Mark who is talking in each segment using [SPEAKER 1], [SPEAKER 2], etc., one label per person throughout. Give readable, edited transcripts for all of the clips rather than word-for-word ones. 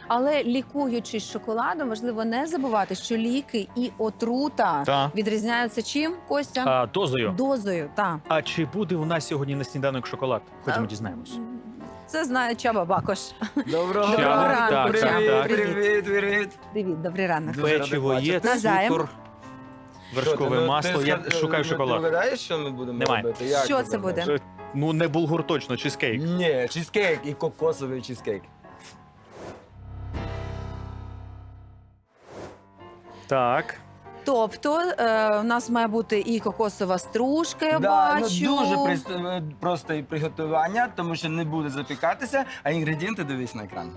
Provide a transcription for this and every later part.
[SPEAKER 1] Але лікуючись шоколадом, важливо не забувати, що ліки і отрута відрізняються чим, Костя?
[SPEAKER 2] Дозою.
[SPEAKER 1] Дозою, так.
[SPEAKER 2] А чи буде у нас сьогодні на сніданок шоколад? Ходімо дізнаємось.
[SPEAKER 1] Це знає Чаба Бакош.
[SPEAKER 3] Доброго
[SPEAKER 2] Чаба,
[SPEAKER 1] ранку,
[SPEAKER 2] так,
[SPEAKER 1] Чаба.
[SPEAKER 2] так.
[SPEAKER 3] Привіт.
[SPEAKER 1] Привіт, добрий ранок.
[SPEAKER 3] Дуже
[SPEAKER 2] Печиво
[SPEAKER 3] радий
[SPEAKER 2] є,
[SPEAKER 3] бачити.
[SPEAKER 1] Навзаєм.
[SPEAKER 2] цукор, вершкове масло. Я шукаю
[SPEAKER 3] Ти
[SPEAKER 2] шоколад.
[SPEAKER 3] вгадаєш, що ми будемо
[SPEAKER 2] Немає.
[SPEAKER 3] робити? Як
[SPEAKER 1] Що
[SPEAKER 3] ти
[SPEAKER 1] це
[SPEAKER 3] думаєш?
[SPEAKER 1] буде?
[SPEAKER 2] Ну, не булгур точно, чизкейк.
[SPEAKER 3] Ні, чизкейк і кокосовий чизкейк.
[SPEAKER 2] Так.
[SPEAKER 1] Тобто у нас має бути і кокосова стружка, я
[SPEAKER 3] Ну,
[SPEAKER 1] бачу.
[SPEAKER 3] дуже просто і приготування, тому що не буде запікатися, а інгредієнти дивись на екран.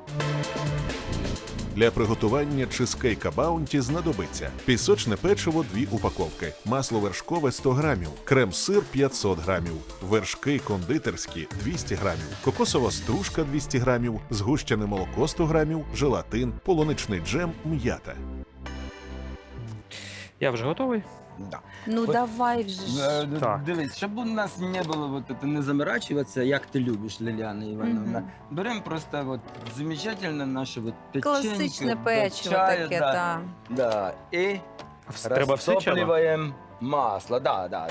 [SPEAKER 4] Для приготування чизкейка Баунті знадобиться пісочне печиво 2 упаковки, масло вершкове 100 грамів, крем-сир 500 грамів, вершки кондитерські 200 грамів, кокосова стружка 200 грамів, згущене молоко 100 грамів, желатин, полуничний джем, м'ята.
[SPEAKER 2] Я вже готовий.
[SPEAKER 3] Да.
[SPEAKER 1] Ну
[SPEAKER 3] От-
[SPEAKER 1] давай вже.
[SPEAKER 2] Так.
[SPEAKER 3] Дивись, щоб у нас не було вот это, не заморачиваться, як ти любиш, Ліліана Івановна.
[SPEAKER 1] Мгм.
[SPEAKER 3] Беремо просто вот замечательне наше вот печенье.
[SPEAKER 1] Класичне
[SPEAKER 3] до
[SPEAKER 1] печиво
[SPEAKER 3] чаю,
[SPEAKER 1] таке,
[SPEAKER 3] да,
[SPEAKER 1] так.
[SPEAKER 3] да. І
[SPEAKER 2] Треба все чало?
[SPEAKER 3] розтоплюємо масло. Да.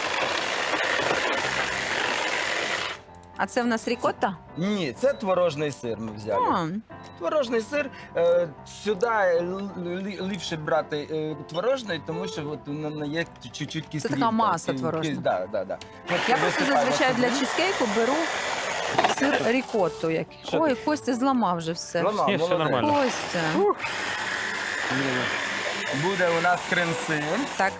[SPEAKER 1] А це в нас рікотта?
[SPEAKER 3] Ні, це творожний сир ми взяли.
[SPEAKER 1] А,
[SPEAKER 3] Творожний сир, сюди ліпше брати творожний, тому що от воно є чуть-чуть кислинка.
[SPEAKER 1] така маса творожна.
[SPEAKER 3] Да. От
[SPEAKER 1] я просто
[SPEAKER 3] висипаємо
[SPEAKER 1] зазвичай
[SPEAKER 3] сюди.
[SPEAKER 1] для чизкейку беру сир рікотту.
[SPEAKER 3] Що
[SPEAKER 1] Ой,
[SPEAKER 3] ти?
[SPEAKER 1] Костя зламав вже все.
[SPEAKER 3] Ламав,
[SPEAKER 2] Ні, все
[SPEAKER 3] молодець.
[SPEAKER 2] нормально.
[SPEAKER 1] Костя.
[SPEAKER 3] Буде у нас крем-сир.
[SPEAKER 1] Так.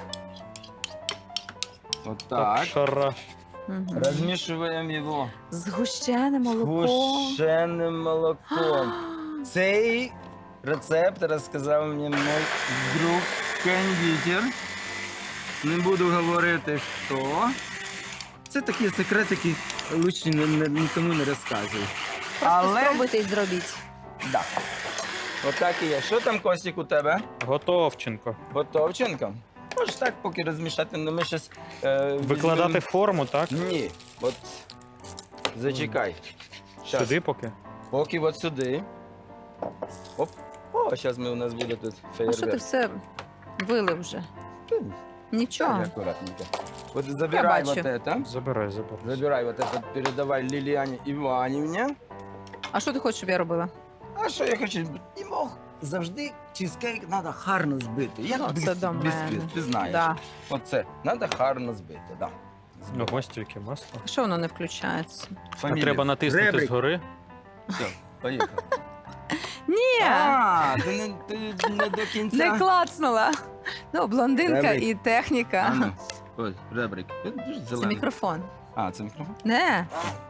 [SPEAKER 3] Вот
[SPEAKER 2] Так,
[SPEAKER 3] так.
[SPEAKER 2] шара.
[SPEAKER 1] Угу.
[SPEAKER 3] Розмішуємо його
[SPEAKER 1] Згущене молоко.
[SPEAKER 3] гущеним молоком. Цей рецепт розказав мені мій друг кондитер. Не буду говорити хто. Це такі секретики, лучше нікому не розказуй.
[SPEAKER 1] Просто спробуйте і зробіть.
[SPEAKER 3] Да. Отак і є. Що там, Костік, у тебе?
[SPEAKER 2] Готовченко.
[SPEAKER 3] Готовченко? Можеш так поки розмішати, але ми зараз...
[SPEAKER 2] Викладати форму, так?
[SPEAKER 3] Ні, от зачекай. Щас.
[SPEAKER 2] Сюди поки.
[SPEAKER 3] Поки от сюди. Оп. О, зараз у нас буде тут
[SPEAKER 1] А що ти
[SPEAKER 3] феєрверк.
[SPEAKER 1] все вилив вже? Нічого.
[SPEAKER 3] Аккуратненько. Вот забирай
[SPEAKER 1] бачу.
[SPEAKER 3] вот это.
[SPEAKER 2] Забирай.
[SPEAKER 3] Забирай вот это, передавай Ліліані Іванівні.
[SPEAKER 1] А що ти хочеш, щоб я робила?
[SPEAKER 3] А що я хочу? І мог завжди чизкейк треба гарно збити. Як
[SPEAKER 1] Ну, це до мене.
[SPEAKER 3] бісквіт, ти знаєш.
[SPEAKER 1] Да.
[SPEAKER 3] Оце, треба гарно збити, да.
[SPEAKER 2] Ого, стільки масла.
[SPEAKER 1] Що воно не включається?
[SPEAKER 2] А
[SPEAKER 3] Фамілія.
[SPEAKER 2] треба натиснути
[SPEAKER 3] Ребрик.
[SPEAKER 2] згори.
[SPEAKER 3] Все, поїхали.
[SPEAKER 1] Ні,
[SPEAKER 3] А, ти не до кінця.
[SPEAKER 1] не клацнула. Ну, блондинка
[SPEAKER 3] Ребрик.
[SPEAKER 1] і техніка.
[SPEAKER 3] Ану, ось, ребрик. Дуже
[SPEAKER 1] Це
[SPEAKER 3] зелений.
[SPEAKER 1] мікрофон.
[SPEAKER 3] А, це мікрофон?
[SPEAKER 1] Не.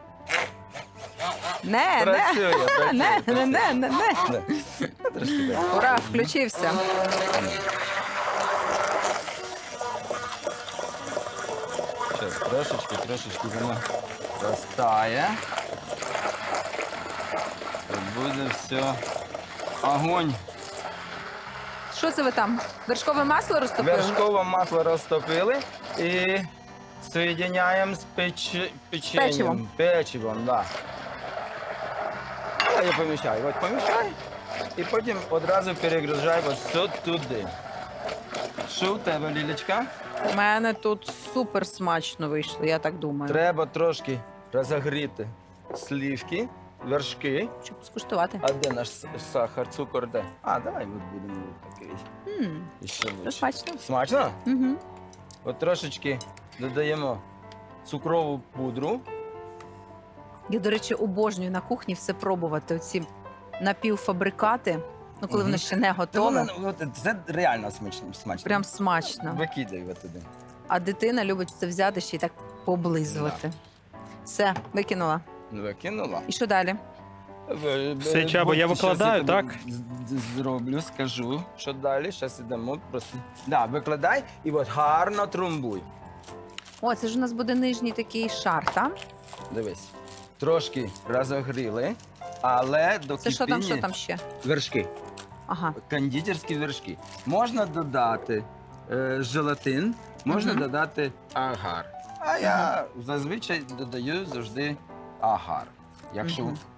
[SPEAKER 1] Не.
[SPEAKER 3] Працює,
[SPEAKER 1] Не.
[SPEAKER 3] Да. Ну, трошки так.
[SPEAKER 1] Ура, включився.
[SPEAKER 3] Сейчас, трошечки воно розтає. І буде все. Огонь.
[SPEAKER 1] Що це ви там? Вершкове масло розтопили?
[SPEAKER 3] Вершкове масло розтопили і соєдиняємо з печенням.
[SPEAKER 1] печивом.
[SPEAKER 3] Печивом, да. Я помішаю. От помішай. І потім одразу перегружай ось все туди. Що у тебе, Лілечка?
[SPEAKER 1] У мене тут супер смачно вийшло, я так думаю.
[SPEAKER 3] Треба трошки розогріти сливки, вершки.
[SPEAKER 1] Щоб скуштувати.
[SPEAKER 3] А де наш сахар, цукор, де? А, давай от будемо такий. Ще
[SPEAKER 1] Це
[SPEAKER 3] лучше.
[SPEAKER 1] смачно.
[SPEAKER 3] Смачно?
[SPEAKER 1] Угу.
[SPEAKER 3] От трошечки додаємо цукрову пудру.
[SPEAKER 1] Я, до речі, обожнюю на кухні все пробувати. Оці напівфабрикати, ну коли
[SPEAKER 3] Мгм.
[SPEAKER 1] воно ще не
[SPEAKER 3] Та
[SPEAKER 1] готове.
[SPEAKER 3] воно, от, це реально смачно.
[SPEAKER 1] Прям смачно.
[SPEAKER 3] Викидай от туди.
[SPEAKER 1] А дитина любить це взяти ще й так поблизувати. Все, викинула.
[SPEAKER 3] Викинула.
[SPEAKER 1] І що далі?
[SPEAKER 2] Все, Чабо, я
[SPEAKER 3] Щас
[SPEAKER 2] викладаю,
[SPEAKER 3] тобі
[SPEAKER 2] так?
[SPEAKER 3] Зроблю, скажу, що далі. Зараз йдемо просто. Да, викладай і от гарно тrumбуй.
[SPEAKER 1] О, це ж у нас буде нижній такий шар, так?
[SPEAKER 3] Дивись. Трошки розогріли, але до
[SPEAKER 1] Це що там ще?
[SPEAKER 3] Вершки.
[SPEAKER 1] Ага.
[SPEAKER 3] Кондитерські вершки. Можна додати желатин, можна
[SPEAKER 1] Мгм.
[SPEAKER 3] додати агар. А я зазвичай додаю завжди агар. Якщо
[SPEAKER 1] Мгм.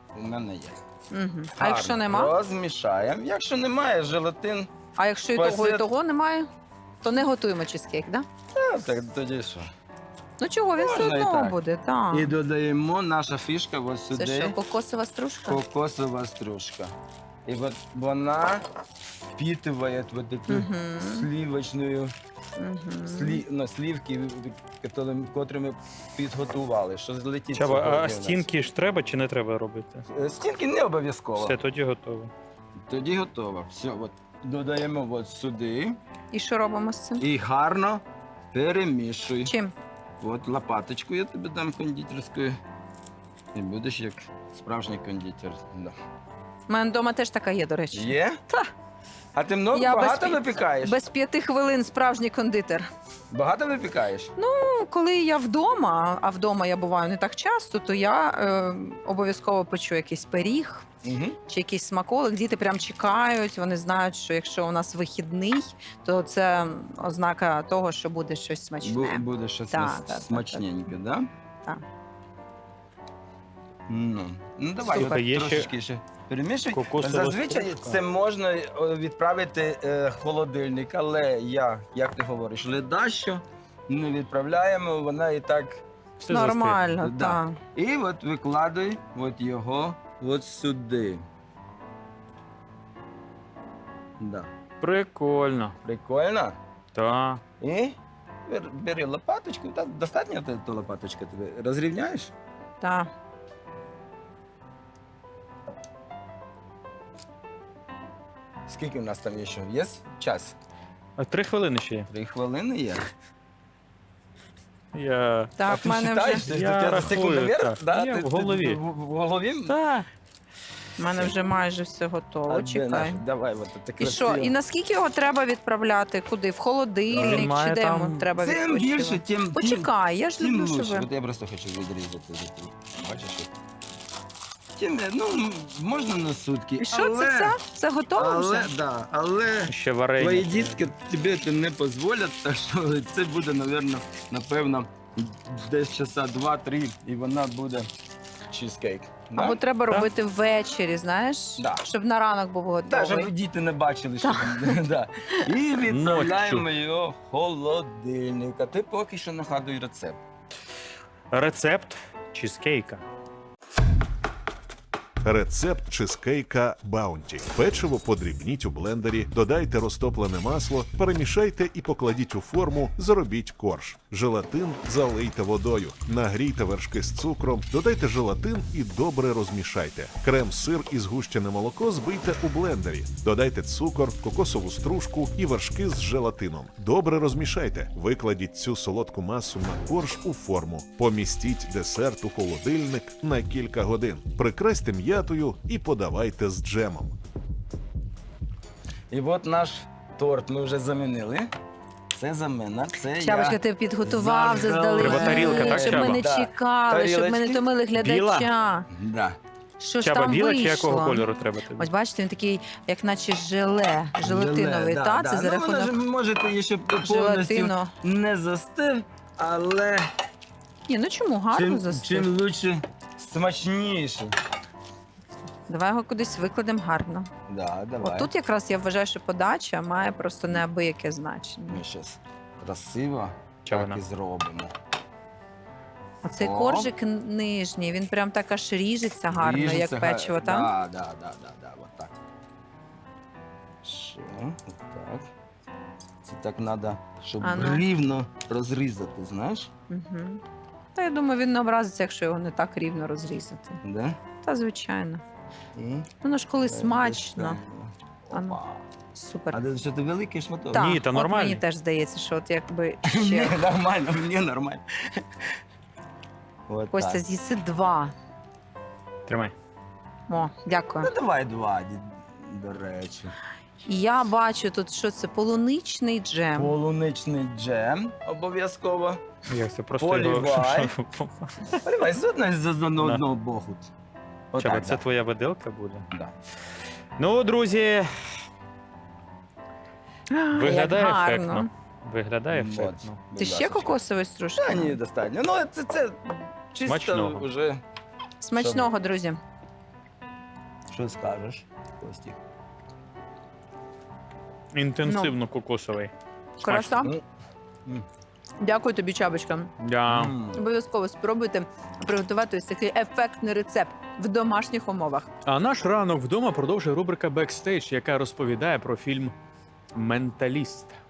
[SPEAKER 3] у мене є.
[SPEAKER 1] Угу. А
[SPEAKER 3] Гарно
[SPEAKER 1] якщо нема?
[SPEAKER 3] Розмішаємо. Якщо немає, желатин,
[SPEAKER 1] А якщо і того, і
[SPEAKER 3] Пасет.
[SPEAKER 1] того немає, то не готуємо чизкейк, да?
[SPEAKER 3] так тоді що?
[SPEAKER 1] Ну чого, він все
[SPEAKER 3] Можна і
[SPEAKER 1] одно
[SPEAKER 3] так.
[SPEAKER 1] буде, так.
[SPEAKER 3] І додаємо наша фішка ось
[SPEAKER 1] Це
[SPEAKER 3] сюди.
[SPEAKER 1] що, кокосова стружка?
[SPEAKER 3] Кокосова стружка. І от вона впитывает вот эту
[SPEAKER 1] Мгм.
[SPEAKER 3] сливочную
[SPEAKER 1] Мгм.
[SPEAKER 3] сливки, котрі ми підготували. Що злетить
[SPEAKER 2] Чаба,
[SPEAKER 3] сьогодні у
[SPEAKER 2] а
[SPEAKER 3] нас.
[SPEAKER 2] стінки ж треба чи не треба робити?
[SPEAKER 3] Стінки не обов'язково.
[SPEAKER 2] Все, тоді готово.
[SPEAKER 3] Тоді готово. Все, от додаємо от сюди
[SPEAKER 1] І що робимо з цим?
[SPEAKER 3] і гарно перемішуй.
[SPEAKER 1] Чим?
[SPEAKER 3] От лопаточку я тобі дам кондитерською. І будеш як справжній кондитер. Да.
[SPEAKER 1] У мене вдома теж така є, до речі.
[SPEAKER 3] Є?
[SPEAKER 1] Та.
[SPEAKER 3] А ти много
[SPEAKER 1] Я
[SPEAKER 3] багато
[SPEAKER 1] без-
[SPEAKER 3] випікаєш?
[SPEAKER 1] Без 5 хвилин справжній кондитер.
[SPEAKER 3] Багато випікаєш?
[SPEAKER 1] Ну, коли я вдома, а вдома я буваю не так часто, то я обов'язково печу якийсь пиріг
[SPEAKER 3] Угу.
[SPEAKER 1] чи якийсь смаколик. Діти прям чекають, вони знають, що якщо у нас вихідний, то це ознака того, що буде щось смачне.
[SPEAKER 3] Буде щось
[SPEAKER 1] Так, так,
[SPEAKER 3] смачненьке, так? Да?
[SPEAKER 1] Так.
[SPEAKER 3] Ну давай,
[SPEAKER 2] Супер.
[SPEAKER 3] от
[SPEAKER 2] Є ще
[SPEAKER 3] трошечки ще перемішуй.
[SPEAKER 2] кокосова
[SPEAKER 3] Зазвичай
[SPEAKER 2] стружка.
[SPEAKER 3] це можна відправити в холодильник, але як ти говориш, ледащо не відправляємо, вона і так.
[SPEAKER 2] Все
[SPEAKER 1] Нормально,
[SPEAKER 3] Да.
[SPEAKER 1] так.
[SPEAKER 3] І от викладай от його от сюди. Да.
[SPEAKER 2] застиг. Прикольно.
[SPEAKER 3] Прикольно.
[SPEAKER 2] Так.
[SPEAKER 3] І бери лопаточку, та достатньо та лопаточка тобі розрівняєш?
[SPEAKER 1] Так.
[SPEAKER 3] Скільки у нас там є ще? Є час?
[SPEAKER 2] А 3 хвилини ще є.
[SPEAKER 3] 3 хвилини є.
[SPEAKER 2] Я...
[SPEAKER 3] А
[SPEAKER 1] Так, в
[SPEAKER 3] ти
[SPEAKER 1] мене
[SPEAKER 3] считаєш?
[SPEAKER 1] вже,
[SPEAKER 3] Ти-
[SPEAKER 2] Я
[SPEAKER 3] ти
[SPEAKER 2] рахую,
[SPEAKER 3] секундомер?
[SPEAKER 2] так.
[SPEAKER 3] Да?
[SPEAKER 2] Я
[SPEAKER 3] Ти-
[SPEAKER 2] в голові.
[SPEAKER 3] ти в голові?
[SPEAKER 2] Так.
[SPEAKER 1] в мене вже майже все готово.
[SPEAKER 3] А де
[SPEAKER 1] Чекай.
[SPEAKER 3] наш? Давай, от це
[SPEAKER 1] І
[SPEAKER 3] красиво.
[SPEAKER 1] що? І наскільки його треба відправляти? Куди? В
[SPEAKER 2] Він
[SPEAKER 1] холодильник
[SPEAKER 2] має
[SPEAKER 1] чи де
[SPEAKER 2] там-
[SPEAKER 1] йому треба
[SPEAKER 3] Чим більше,
[SPEAKER 1] відпочивати?
[SPEAKER 3] тим
[SPEAKER 1] Почекай, я ж
[SPEAKER 3] тим
[SPEAKER 1] люблю, що
[SPEAKER 3] лучше.
[SPEAKER 1] ви.
[SPEAKER 3] От я просто хочу відрізати. Бачиш? от. Тим, ну, можна на сутки.
[SPEAKER 1] І що це все? Це готово
[SPEAKER 3] Але,
[SPEAKER 1] вже?
[SPEAKER 3] да, але
[SPEAKER 2] Ще варення.
[SPEAKER 3] твої дітки тобі це не дозволять, так що це буде, напевно, десь часа 2-3, і вона буде чизкейк. Да?
[SPEAKER 1] Або треба
[SPEAKER 2] Так.
[SPEAKER 1] робити ввечері, знаєш?
[SPEAKER 3] Да.
[SPEAKER 1] Щоб на ранок був
[SPEAKER 3] Так,
[SPEAKER 1] готовий.
[SPEAKER 3] щоб діти не бачили, що там. Да. І відправляємо його в холодильник. А ти поки що нагадуй рецепт.
[SPEAKER 2] Рецепт чизкейка.
[SPEAKER 4] Рецепт чизкейка Баунті. Печиво подрібніть у блендері, додайте розтоплене масло, перемішайте і покладіть у форму, заробіть корж. Желатин залийте водою, нагрійте вершки з цукром, додайте желатин і добре розмішайте. Крем-сир і згущене молоко збийте у блендері. Додайте цукор, кокосову стружку і вершки з желатином. Добре розмішайте. Викладіть цю солодку масу на корж у форму. Помістіть десерт у холодильник на кілька годин. Прикрасьте м'ятою і подавайте з джемом.
[SPEAKER 3] І от наш торт ми вже замінили. Це замена, це
[SPEAKER 1] Чабочка,
[SPEAKER 3] я.
[SPEAKER 1] ти підготував
[SPEAKER 3] Заздалегідь.
[SPEAKER 2] Треба тарілка, так,
[SPEAKER 1] щоб ми не
[SPEAKER 3] Чаба? Да.
[SPEAKER 1] чекали, щоб ми не
[SPEAKER 3] Тарілочки.
[SPEAKER 1] томили глядача.
[SPEAKER 3] Да.
[SPEAKER 1] Що ж
[SPEAKER 2] Чаба,
[SPEAKER 1] там
[SPEAKER 2] біла чи
[SPEAKER 1] вийшло?
[SPEAKER 2] якого кольору треба тобі?
[SPEAKER 1] Ось бачите, він такий, як наче желатиновий.
[SPEAKER 3] Желе,
[SPEAKER 1] Та, це за
[SPEAKER 3] Ну, вона ж,
[SPEAKER 1] рахунок
[SPEAKER 3] можете її ще повністю
[SPEAKER 1] желатину.
[SPEAKER 3] не застив, але
[SPEAKER 1] Ні, ну чому? Гарно застиг.
[SPEAKER 3] чим лучше, смачніше.
[SPEAKER 1] Давай його кудись викладемо гарно.
[SPEAKER 3] Да, давай.
[SPEAKER 1] От тут якраз я вважаю, що подача має просто неабияке значення.
[SPEAKER 3] Ми зараз красиво
[SPEAKER 2] Чого
[SPEAKER 3] так
[SPEAKER 2] вона?
[SPEAKER 3] і зробимо.
[SPEAKER 1] Оцей
[SPEAKER 3] О.
[SPEAKER 1] коржик нижній, він прям так аж ріжеться гарно,
[SPEAKER 3] Ріжеться
[SPEAKER 1] як печиво, так?
[SPEAKER 3] Да, от так. Ще, от так. Це так треба, щоб
[SPEAKER 1] А ну.
[SPEAKER 3] рівно розрізати, знаєш?
[SPEAKER 1] Угу. Та я думаю, він не образиться, якщо його не так рівно розрізати.
[SPEAKER 3] Да?
[SPEAKER 1] Та звичайно.
[SPEAKER 3] І
[SPEAKER 1] Воно ж коли
[SPEAKER 3] так,
[SPEAKER 1] смачно.
[SPEAKER 3] достаємо.
[SPEAKER 1] Ану.
[SPEAKER 3] Опа.
[SPEAKER 1] Супер.
[SPEAKER 3] А що ти великий шматок?
[SPEAKER 1] Так,
[SPEAKER 2] Ні, та
[SPEAKER 1] от
[SPEAKER 2] нормально.
[SPEAKER 1] мені теж здається, що от якби
[SPEAKER 3] Ні,
[SPEAKER 1] ще
[SPEAKER 3] нормально, мені нормально. От
[SPEAKER 1] Костя
[SPEAKER 3] так.
[SPEAKER 1] з'їси 2.
[SPEAKER 2] Тримай.
[SPEAKER 1] О, дякую.
[SPEAKER 3] Ну давай 2, до речі.
[SPEAKER 1] І я бачу тут, що це полуничний джем.
[SPEAKER 3] Полуничний джем обов'язково.
[SPEAKER 2] Як це просто
[SPEAKER 3] Полівай.
[SPEAKER 2] його...
[SPEAKER 3] Поливай з одного боку.
[SPEAKER 2] Чаба,
[SPEAKER 3] Отак,
[SPEAKER 2] це
[SPEAKER 3] да.
[SPEAKER 2] твоя виделка буде?
[SPEAKER 3] Да.
[SPEAKER 2] Ну, друзі, виглядає
[SPEAKER 1] Як гарно.
[SPEAKER 2] ефектно. Виглядає
[SPEAKER 3] От,
[SPEAKER 2] ефектно.
[SPEAKER 3] будь
[SPEAKER 1] Ти ще
[SPEAKER 3] ласочка.
[SPEAKER 1] кокосової стружки?
[SPEAKER 3] Та ні, достатньо. Ну, це чисто
[SPEAKER 2] Смачного.
[SPEAKER 3] вже.
[SPEAKER 1] Смачного, друзі.
[SPEAKER 3] Що скажеш, Костік?
[SPEAKER 2] Інтенсивно кокосовий.
[SPEAKER 1] Краса.
[SPEAKER 3] Ну, м.
[SPEAKER 1] Дякую тобі, Чабочка.
[SPEAKER 2] Да.
[SPEAKER 1] Обов'язково спробуйте приготувати ось такий ефектний рецепт в домашніх умовах.
[SPEAKER 2] А наш ранок вдома продовжує рубрика «Бекстейдж», яка розповідає про фільм «Менталіст».